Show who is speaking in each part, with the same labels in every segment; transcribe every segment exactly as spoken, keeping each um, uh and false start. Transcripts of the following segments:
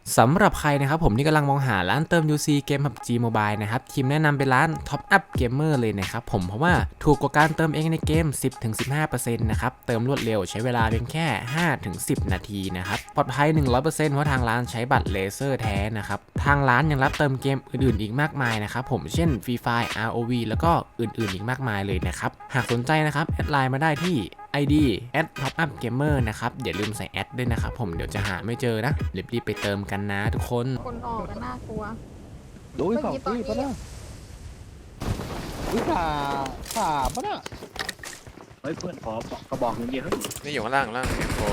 Speaker 1: สำหรับใครนะครับผมที่กำลังมองหาร้านเติม ยู ซี เกม พับ จี Mobile นะครับทีมแนะนำเป็นร้าน Top Up Gamer เลยนะครับผมเพราะว่าถูกกว่าการเติมเองในเกม สิบถึงสิบห้าเปอร์เซ็นต์ นะครับเติมรวดเร็วใช้เวลาเพียงแค่ ห้าถึงสิบ นาทีนะครับปลอดภัย หนึ่งร้อยเปอร์เซ็นต์ เพราะทางร้านใช้บัตรเลเซอร์แท้นะครับทางร้านยังรับเติมเกมอื่นๆอีกมากมายนะครับผมเช่น Free Fire อาร์ โอ วี แล้วก็อื่นๆอีกมากมายเลยนะครับหากสนใจนะครับแอดไลน์มาได้ที่ ไอ ดี แอท ท็อปอัพเกมเมอร์ นะครับอย่าลืมใส่แอดด้วยนะครับผมเดี๋ยวจะหาไม่เจอนะรีบๆไปเติมกันนะทุกคน
Speaker 2: คนออกกันน่ากลัว
Speaker 3: ดูอีกสองตีปะเนี่ยวิสาสามปะเนี่ย
Speaker 4: เฮ้ยเพื่อนขอกระบอกหนึ่งเดียวเฮ้ย
Speaker 1: นี่อยู่ข้างล่างล่างเอ็มโฟ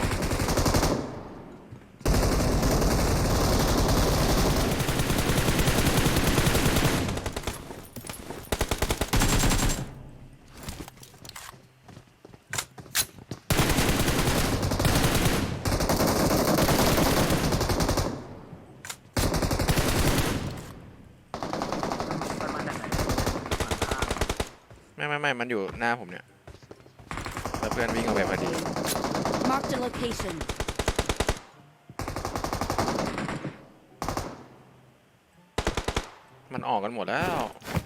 Speaker 1: ไม่ไม่ไม่มันอยู่หน้าผมเนี่ยแล้วเพื่อนวิ่งออกไปพอดี
Speaker 5: Mark the location
Speaker 1: มันออกกันหมดแล้ว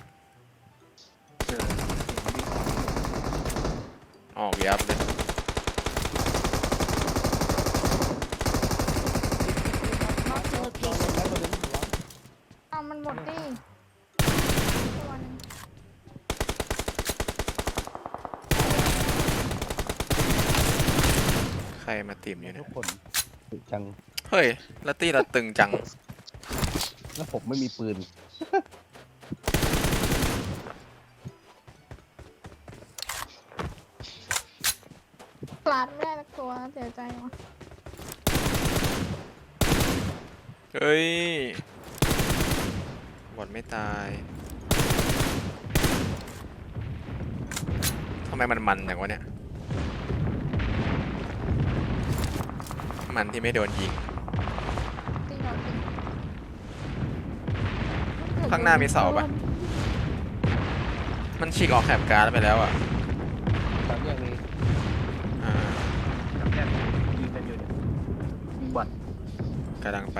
Speaker 1: ออกยับเลย
Speaker 5: Mark the location
Speaker 2: เอามันหมดดิตัวนึง
Speaker 1: ใครมาติ่มอยู่เนี่
Speaker 3: ทุ
Speaker 1: ย
Speaker 3: กคนตึกจัง
Speaker 1: เฮ้ยลัตตี้เราตึงจัง
Speaker 3: แล้วผมไม่มีปืน
Speaker 2: ปลาดไม่ได้สักตัวเสียใจว่ะ
Speaker 1: เฮ้ยบอดไม่ตายทำไมมันมันอย่างวะเนี่ยมันที่ไม่โดนยิง
Speaker 2: จริงเหรอจริง
Speaker 1: ข้างหน้ามีเสาปะมันฉีกออกแถบการ์ดไปแล้วอ่ะ
Speaker 3: ตอนแยกนี้
Speaker 1: อ่า
Speaker 4: จำแนกยิงกันอยู่เนี่ยบอด
Speaker 1: กำลังไป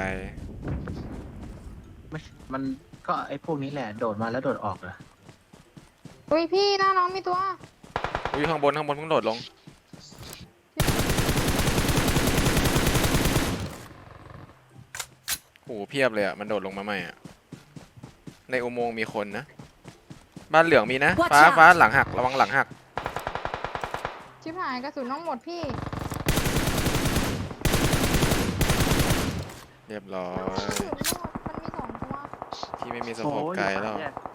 Speaker 4: ไม่มันก็ไอ้พวกนี้แหละโดดมาแล้วโดดออกเหรอ
Speaker 2: อุ้ยพี่หน้าน้องมีตัว
Speaker 1: อุ้ยข้างบนข้างบนเพิ่งโดดลงโหเพียบเลยอ่ะมันโดดลงมาใหม่อ่ะในอุโมงค์มีคนนะบ้านเหลืองมีนะ
Speaker 5: Watch
Speaker 1: ฟ้า
Speaker 5: out
Speaker 1: ฟ้าหลังหักระวังหลังหัก
Speaker 2: ชิบหายกระสุนน้องหมดพี่
Speaker 1: เรียบร้อก
Speaker 2: ระ
Speaker 1: ย
Speaker 2: สุนไม่หมดมันมีสองตัว
Speaker 1: ที่ไม่มีสโคปไกลแล้ว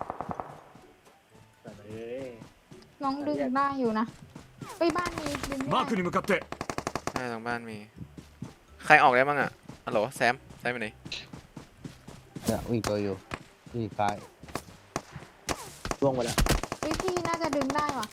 Speaker 4: แต่เอ้ย
Speaker 2: น้องดึงได้อยู่นะเฮ้ยบ้านมีดึงไม่
Speaker 6: マーク
Speaker 2: ได้
Speaker 6: に向かって
Speaker 1: ใช่ทางบ้านมีใครออกได้บ้างอ่ะฮัลโหลแซมแซมไปไหน
Speaker 3: เนี่ยวิ่งตัวอยู่วิ่งซ้าย
Speaker 4: ล่วงไปแล้ว
Speaker 2: เฮ้ยพี่น่าจะดึงได้ว่ะ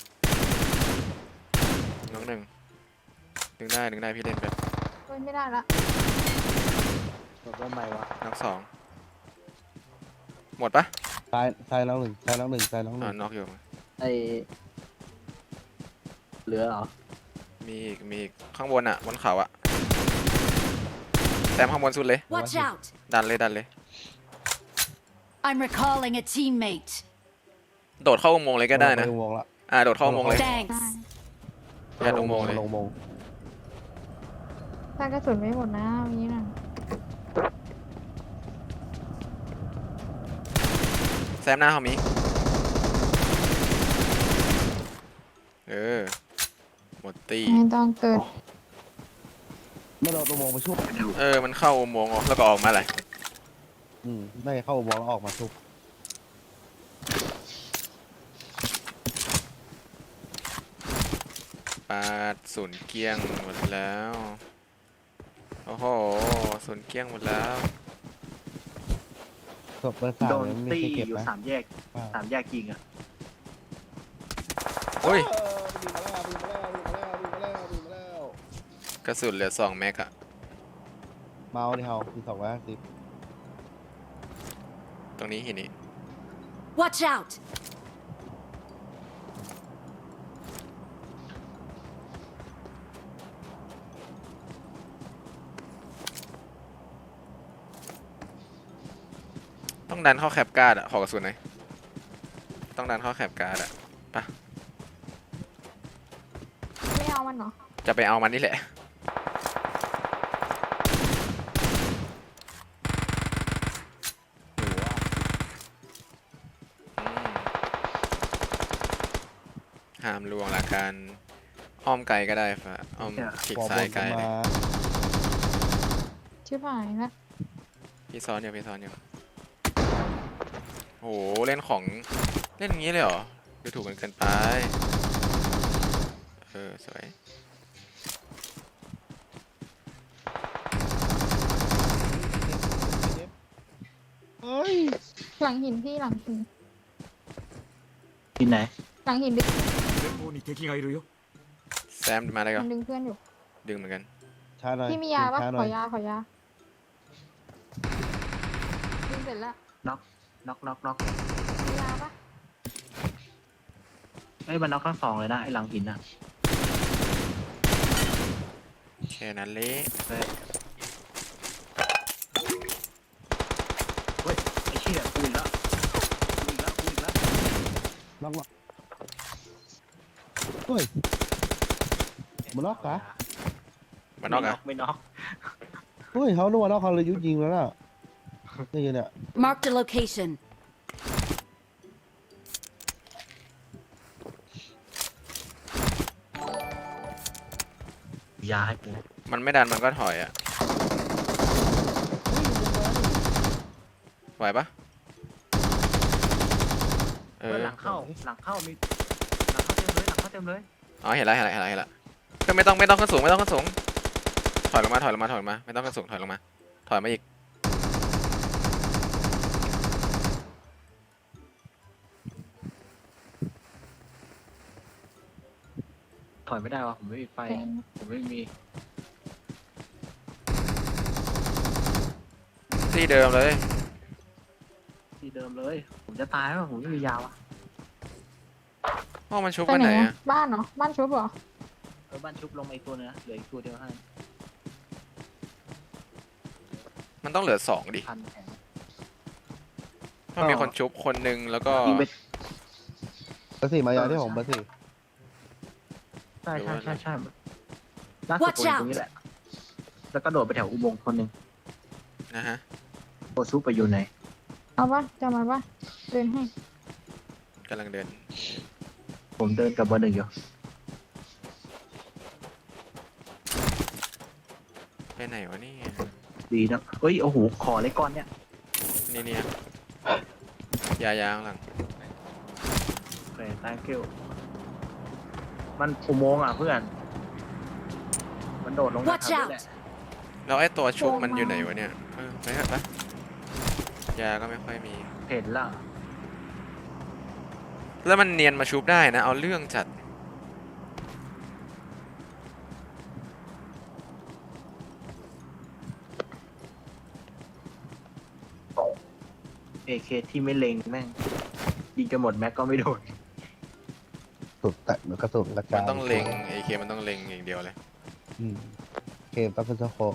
Speaker 1: น้องหนึ่งดึงได้ดึงได้พี่เล่นไป
Speaker 2: เฮ้ยไม่ได้ละ
Speaker 4: โดดว่าไม่วะ
Speaker 1: น้องสองหมดปะ
Speaker 3: ซ้ายซ้ายน้องหนึ่งซ้ายน้องหนึ่งซ้ายน้องห
Speaker 1: อ่า
Speaker 3: นึ่ง
Speaker 1: น็อกอยู่
Speaker 4: ไอเหลือเหรอ
Speaker 1: มีอีกมีอีกข้างบนอ่ะบนเขาอ่ะแซมข้างบนสุดเลย
Speaker 5: Watch out
Speaker 1: ดันเลยดันเลย
Speaker 5: I'm recalling a teammate
Speaker 1: โดดเข้าอุโมงค์เลยก็ได้นะ
Speaker 3: ลงวงละ
Speaker 1: อ่าโดดเข้าอุโมงค์เลย
Speaker 5: Thanks
Speaker 1: ยัดอุโมงค์เลย
Speaker 3: ลงวง
Speaker 2: ถ้ากระสุนไม่หมดนะวันนี้นะ
Speaker 1: แซมหน้าเขามีเออหมดตี
Speaker 2: ไม่ต้องเกิด
Speaker 3: ไม่โดนลงวงมาชุบ
Speaker 1: เออมันเข้าอุโมงค์แล้วก็ออกมาเลย
Speaker 3: อืมไม่เข้าวงแล้วออกมาชุบ
Speaker 1: ปาดศูนย์เกลี้ยงหมดแล้วโอ้โหศูนย์เกลี้ยงหมดแล้ว
Speaker 3: ศพเบอร์สาม
Speaker 4: โดน
Speaker 3: เนี่ยไม่
Speaker 4: ตี
Speaker 3: ใช่เก็บ
Speaker 4: อยู่
Speaker 3: นะ
Speaker 4: สามแยกสามแยกยิงอ่ะ
Speaker 1: อุ้ย
Speaker 3: วิ่งมาแล้ววิ่งมาแล้ววิ่งมาแล้ววิ่งมาแล้ววิ่งมาแล้ว
Speaker 1: กระสุนเหลือสองแม็กอะ
Speaker 3: เมาส์ที่เฮาคือสองร้อยห้าสิบ
Speaker 1: ตรงนี้หินนี้
Speaker 5: Watch out
Speaker 1: ต้องดันเข้าแคปการ์ดอะขอกระสุนหน่อยต้องดันเข้าแคปการ์ดอะปะ
Speaker 2: ไม่เอามันเหรอ
Speaker 1: จะไปเอามันนี่แหละอืมห้ามลวงละกันอ้อมไกลก็ได้ฟะอ้อมคลิก
Speaker 3: บอก
Speaker 1: ซ้ายไกล
Speaker 3: บน
Speaker 1: เลย
Speaker 3: มา
Speaker 2: ชิบหายละ
Speaker 1: พี่ซ้อนอยู่พี่ซ้อนอยู่โหเล่นของเล่นอย่างนี้เลยเหรอดูถูกกันเกินไปเออสวย
Speaker 3: เฮ้ย
Speaker 2: หลังหินพี่หลังหิน
Speaker 4: ที่ไหน
Speaker 2: หลังหินดึง
Speaker 6: 前方に敵がいるよ
Speaker 1: แซมมาเลยก็
Speaker 2: มันดึงเพื่อนอยู่
Speaker 1: ดึงเหมือนกัน
Speaker 3: ช้าหน่อย
Speaker 2: พี่มียาปะ
Speaker 3: ช้ห
Speaker 2: ข
Speaker 3: น่
Speaker 2: อยาขอยาดึงเสร็จละ
Speaker 4: น็อกน็อกน็อกน็อก
Speaker 2: มียาปะ
Speaker 4: เอ้ยมันน็อกทั้งสองเลยนะไอ้หลังหินอ่ะ
Speaker 1: แค่นั้นเละ
Speaker 4: เฮ้ยเฮ้ยไอ้เชี่ยกูอีกแล้วกูอีกแล้วกูอีกแล้ว
Speaker 3: ล็อกล็อกเฮ้ยมันล็อกกะ
Speaker 1: มันนอกอะ
Speaker 4: ไม่น็อก
Speaker 3: เฮ้ยเขาโดนล็อกเขาเลยยุยิงแล้วน่ะนี่เนี่ย
Speaker 5: Marked a location.
Speaker 4: ยาให้กู
Speaker 1: มันไม่ดันมันก็ถอยอะไหวปะเอ
Speaker 4: เอ
Speaker 1: อ
Speaker 4: อหลังเข้าหลังเข้ามีหลังเข้าเต็มเลยหลังเข้าเต็มเลย
Speaker 1: อ๋อเห็นแล้วเห็นแล้วเห็นแล้วเห็นแล้วก็ไม่ต้องไม่ต้องขึ้นสูงไม่ต้องขึ้นสูงถอยลงมาถอยลงมาถอยลงมาไม่ต้องขึ้นสูงถอยลงมาถอยมาอีก
Speaker 4: ถอยไม่ได้วะผมไม่มีไฟ
Speaker 2: แทง
Speaker 4: ผมไม่มี
Speaker 1: ที่เดิมเลย
Speaker 4: ที่เดิมเลย ผมจะตายแล้วผมไม่มียาวะ
Speaker 1: พ่อมันชุบ
Speaker 2: ไป
Speaker 1: กัน
Speaker 2: ไห
Speaker 1: ไห
Speaker 2: น
Speaker 1: น
Speaker 2: อะ
Speaker 1: อะ
Speaker 2: บ้านเหรอบ้านชุบเหรอ
Speaker 4: เออบ้านชุบลงมาอีกตัวนึงนะเหลืออีกตัวเดียวให้
Speaker 1: มันต้องเหลือสองดิ
Speaker 4: พันแผง
Speaker 1: มันมีคนชุบคนหนึ่งแล้วก็
Speaker 4: ยิงไป
Speaker 3: เบอร์สี่มายาที่ผมเบอร์สี่
Speaker 4: ใช่ใช่ใช่ใช่ล่าสุดตัวอยู่ตรงนี้แหละ แล้วก็โดดไปแถวอุโมงค์คนหนึ่ง
Speaker 1: นะฮะ
Speaker 4: โอซุปไปอยู่ไหน
Speaker 2: เอาปะจะมาปะเดินให้
Speaker 1: กำลังเดิน
Speaker 4: ผมเดินกับเบอร์หนึ่งอยู่
Speaker 1: ไปไหนวะเนี่ย
Speaker 4: ดีนะเอ้ยโอ้โหขอเลยก้อนเนี่ย
Speaker 1: นี่เนี่ยยายาข้างหลัง
Speaker 4: โอเค thank you มันอุโมงค์อ่ะเพื่อน มันโดดลง
Speaker 5: Watch
Speaker 4: น้ำ
Speaker 5: out
Speaker 4: นี่แหละ
Speaker 1: แล้วไอ้ตัวชุบมันอยู่ไหนวะเนี่ยเออไปเถอะปะยาก็ไม่ค่อยมี
Speaker 4: เห็นละ
Speaker 1: แล้วมันเนียนมาชุบได้นะเอาเรื่องจัด
Speaker 4: เอเคที่ไม่เล็งแม่งยิงจะหมดแม็กก็ไม่โดน
Speaker 3: สุดแต่กระสุนกระจา
Speaker 1: มั
Speaker 3: ย
Speaker 1: นต้องเล็งไอเคมันต้องเล็งอย่างเดียวเลย
Speaker 3: อืมเกมต้องเป็นสโคป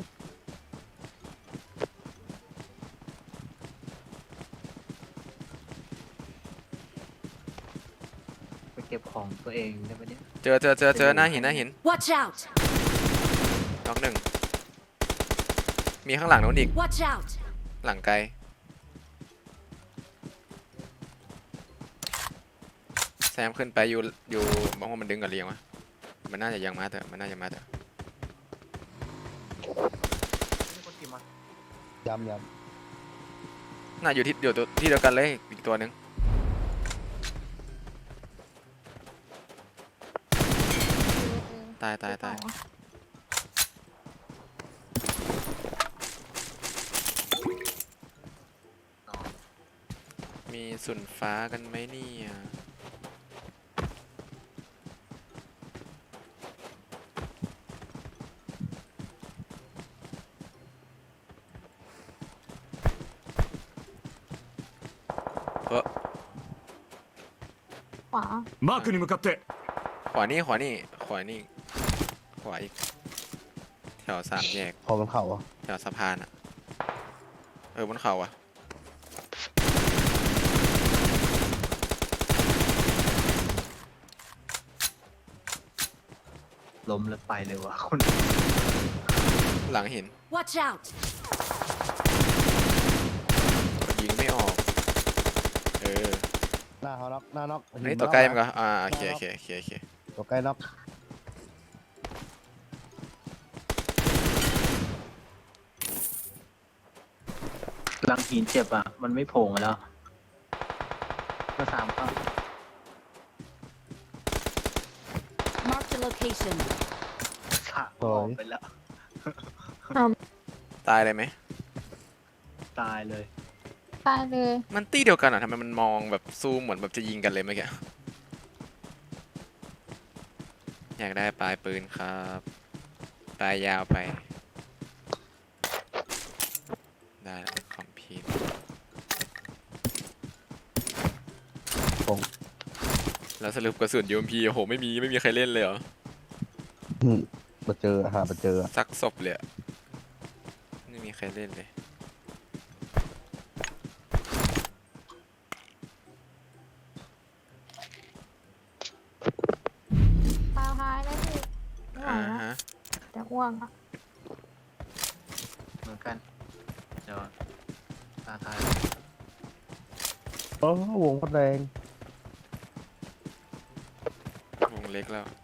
Speaker 4: ไปเก็บของตัวเองได้ไหมเนี่ย
Speaker 1: เจอเจอเจอเจอหน้าหินหน้าหิน
Speaker 5: Watch out!
Speaker 1: น็อกหนึ่งมีข้างหลังนู้นอีก
Speaker 5: Watch out!
Speaker 1: หลังไกลแซมขึ้นไปอยู่อยู่บางว่ามันดึงกับเรียงวะมันน่าจะยังมาเถอะมันน่าจะมาเถอะ
Speaker 4: มีคนขี่มาย
Speaker 3: ำย
Speaker 1: น่าอยู่ที่เดียวตัวที่เดียวกันเลยอีกตัวหนึ่ง
Speaker 2: เออ
Speaker 1: ตายตายตาย
Speaker 2: เออ
Speaker 1: มีสุนฟ้ากันไหมเนี่ยเออ
Speaker 2: ขวา
Speaker 6: マークに向かって
Speaker 1: ขวานี่ขวานี่ขวานี่ขวาอีกแถวสามแยก
Speaker 3: ำพอมันเข่าอ่ะ
Speaker 1: แถวสะพานอะเออบนเขาอะ
Speaker 4: ล้มแล้วไปเลยวะคน
Speaker 1: หลังหิน
Speaker 5: Watch out!
Speaker 1: ยิงไม่ออก เออ
Speaker 3: หน้าเขาน็อกหน้าน็อก
Speaker 1: ไอ้ตัวใกล้มันก็อ่าโอเคโอเคโอเคโอเค
Speaker 3: ตัวใกล้น็อก
Speaker 4: หลังหินเจ็บอ่ะ มันไม่โผล่มาแล้วก็สามเข้า
Speaker 5: Marked a location.
Speaker 4: สามออกไปแล้ว
Speaker 1: ตายเลยไหม
Speaker 4: ตายเลย
Speaker 2: ตายเลย
Speaker 1: มันตี้เดียวกันอ่ะทำไมมันมองแบบซูมเหมือนแบบจะยิงกันเลยเมื่อกี้อยากได้ปลายปืนครับปลายยาวไป ได้แล้วคอมพิวแล้วสรุปกระสุน ยู เอ็ม พี โอ้โหไม่มีไม่มีใครเล่นเลยเหรอ
Speaker 3: อืมมาเจอหามาเจอ
Speaker 1: ซักศพเลยอะไม่มีใครเล่นเลย
Speaker 2: ตาหายแล้วพี่ไม่ไหว
Speaker 1: อ่า
Speaker 2: แล้ว
Speaker 1: ฮะ
Speaker 2: จะอ้วกอ่ะ
Speaker 4: เหมือนกัน เดี๋ยวตาทาย
Speaker 3: โอ้วงคนแรง
Speaker 1: วงเล็กแล้ว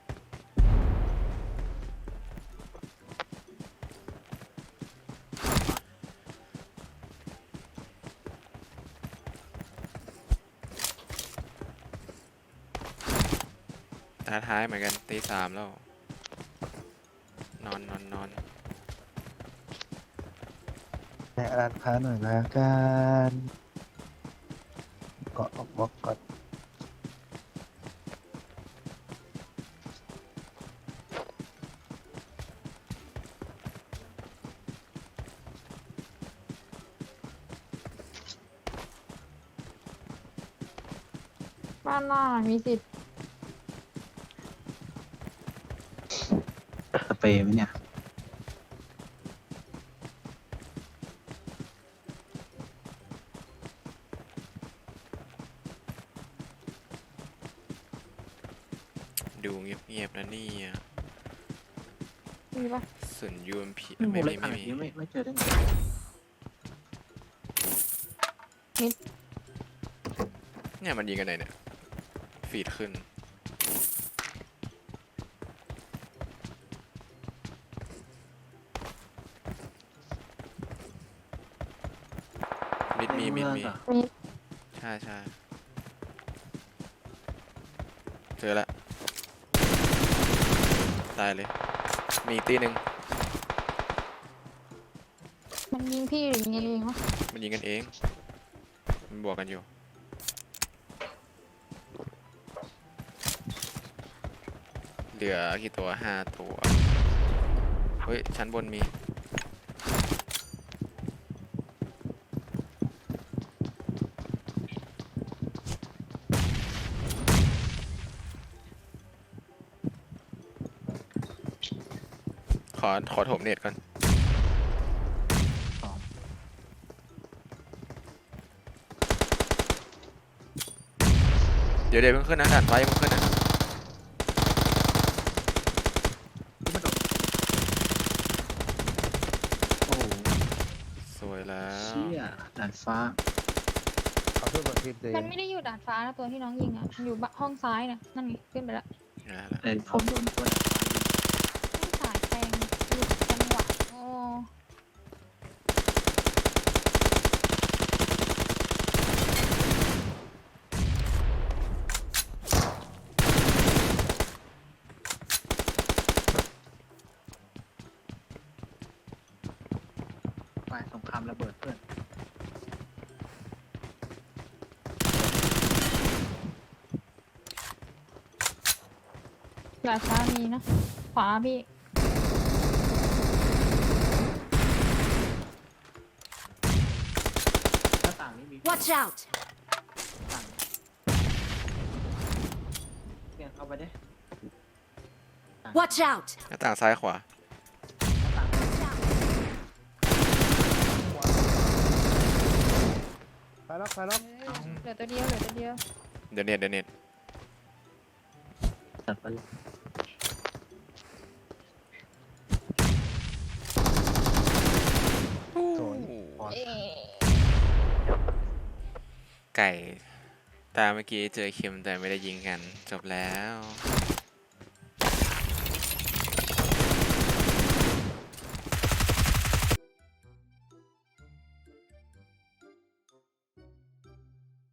Speaker 1: ตาท้ายเหมือนกันตีสามแล้ว นอนนอนนอน
Speaker 3: แนะร้านค้าหน่อยละกันเกาะออกบล็อกก่อน
Speaker 2: บ้านหน้ามีสิทธิ์
Speaker 4: สเปรย์ไหมเนี่ย
Speaker 1: ดูเงียบๆนะนี่อ่ะ
Speaker 2: มีปะ
Speaker 1: ส่วน ยู เอ็ม พี
Speaker 4: ไม่
Speaker 1: ไม่
Speaker 4: ไม่
Speaker 1: มี
Speaker 4: ไม่
Speaker 1: ไม่มี
Speaker 4: ไม่ไม่เจอได้ไง
Speaker 1: เนี่ยมันยิงกันไหนเนี่ย ฟีดขึ้น มิดมีมิดมี
Speaker 2: มี
Speaker 1: ใช่ใช่เจอละตายเลย มีอีกตีหนึ่ง
Speaker 2: มันยิงพี่หรือยิงเองวะ
Speaker 1: มันยิงกันเอง มันบวกกันอยู่ เหลือกี่ตัวห้าตัว เฮ้ย ชั้นบนมี ขอ ขอถมเน็ตก่อน
Speaker 4: สอง
Speaker 1: เดี๋ยวเดี๋ยวเพิ่งขึ้นนะด่านไฟเพิ่งขึ้นนะ
Speaker 4: โอ้โห
Speaker 1: สวยแล้ว
Speaker 4: เชี่ยดาดฟ้า
Speaker 3: เอาเพื่อนมาทีมเด
Speaker 2: มันไม่ได้อยู่ดาดฟ้านะตัวที่น้องยิงอ่ะมันอยู่ห้องซ้ายนะนั่นไงขึ้นไปแล้ว
Speaker 1: นะแล้ว
Speaker 4: เอ้ยผมโดนตัวดาดฟ้ายิง
Speaker 2: ไม่สายแทงหลุดจังหวะโอ้
Speaker 4: ไปสงครามระเบิดเพื่อน
Speaker 2: ดาดฟ้ามีนะขวาพี่
Speaker 4: หน้าต่างนี้มี
Speaker 5: Watch out!
Speaker 4: ต่างเนี่ยเข้าไปดิ
Speaker 5: Watch out!
Speaker 1: หน้าต่างซ้ายขวา
Speaker 4: หน้าต่าง
Speaker 5: Watch out!
Speaker 3: ไปน็อกไปน็อก
Speaker 2: เหลือตัวเดียวเหลือตัวเดียว
Speaker 1: เดี๋ยวเน็ตเดี๋ยวเน็ต
Speaker 4: จัดไปเลย
Speaker 2: เอ๊ะ
Speaker 1: ไก่ตาเมื่อกี้เจอคิมแต่ไม่ได้ยิงกันจบแล้ว